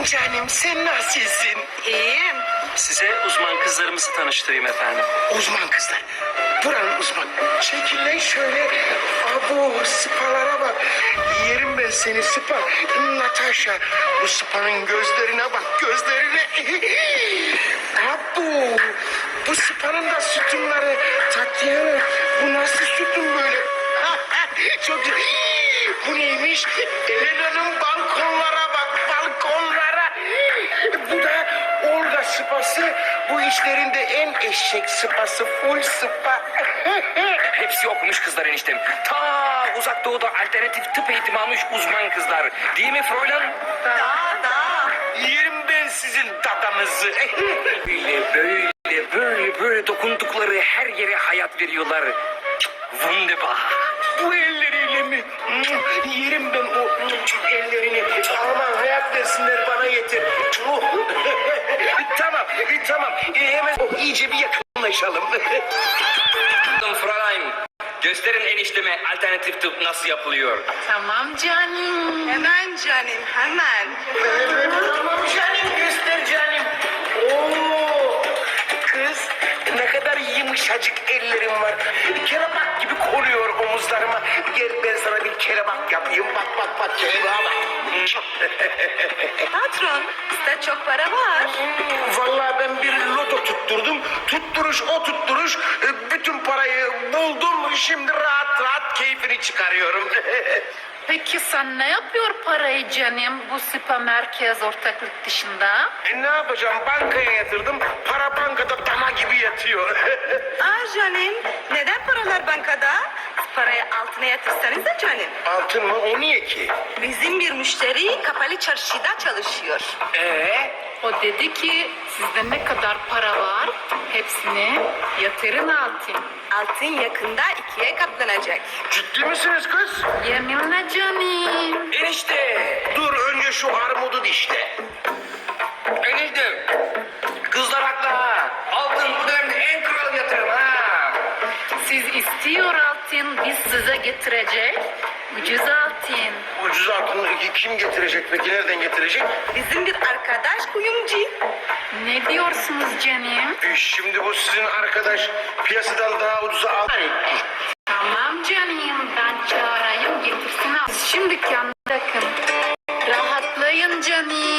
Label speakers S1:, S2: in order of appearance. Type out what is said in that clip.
S1: Canım sen nasılsın?
S2: İyiyim.
S3: Size uzman kızlarımızı tanıştırayım efendim.
S1: Uzman kızlar. Buranın uzman. Çekilin şöyle. Abo sıpalara bak. Yerim ben seni sıpa. Natasha. Bu sıpanın gözlerine bak. Gözlerine. Abo. Bu sıpanın da sütunları. Tatyana. Bu nasıl sütun böyle? Çok güzel. Bu neymiş? Elena'nın balkonlara bak. Balkonlara. Bu da Olga sıpası. Bu işlerinde en eşek sıpası. Full sıpa.
S4: Hepsi okumuş kızlar eniştem. Ta uzak doğuda alternatif tıp eğitimi almış uzman kızlar. Değil mi Fräulein?
S2: Daha.
S1: Yerim ben sizin dadanızı.
S4: Böyle dokundukları her yere hayat veriyorlar. Wunderbar.
S1: Bu elleriyle mi? Yerim ben o ellerini. Aman hayat versinler bana yeter. Tamam. Hemen iyice bir yakınlaşalım.
S4: Fräulein, gösterin enişteme alternatif tıp nasıl yapılıyor.
S2: Tamam canım. Hemen canım hemen.
S1: Tamam canım göster canım. Oo, kız ne kadar yumuşacık ellerim var. Kelebek gibi koruyor omuzlarıma. Gel ben sana bir kelebek yapayım. Bak kelebeğe bak.
S2: Patron, sizde çok para var.
S1: Vallahi ben bir loto tutturdum. Tutturuş o tutturuş. Bütün parayı buldum. Şimdi rahat keyfini çıkarıyorum.
S5: Peki sen ne yapıyor parayı canım bu spa merkez ortaklık dışında?
S1: Ne yapacağım? Bankaya yatırdım. Para bankada dama gibi yatıyor.
S2: Canım, neden paralar bankada? Parayı altına yatırsanız da canım.
S1: Altın mı? O niye ki?
S2: Bizim bir müşteri kapalı çarşıda çalışıyor.
S5: O dedi ki sizde ne kadar para var hepsini yatırın altın.
S2: Altın yakında 2'ye katlanacak.
S1: Ciddi misiniz kız?
S5: Yeminle canım.
S4: Enişte!
S1: Dur önce şu armudu dişle.
S4: Eniştem! Kızlar haklı ha. Altın bu dönemde en kral yatırım ha.
S5: Siz istiyor altın biz size getirecek. Ucuz altın.
S1: Ucuz altını kim getirecek peki? Nereden getirecek?
S2: Bizim bir arkadaş kuyumcu.
S5: Ne diyorsunuz canım?
S1: Şimdi bu sizin arkadaş piyasadan daha ucuza al.
S5: Tamam canım ben çağırayım getirsin altın. Şimdi kendine bakın. Rahatlayın canım.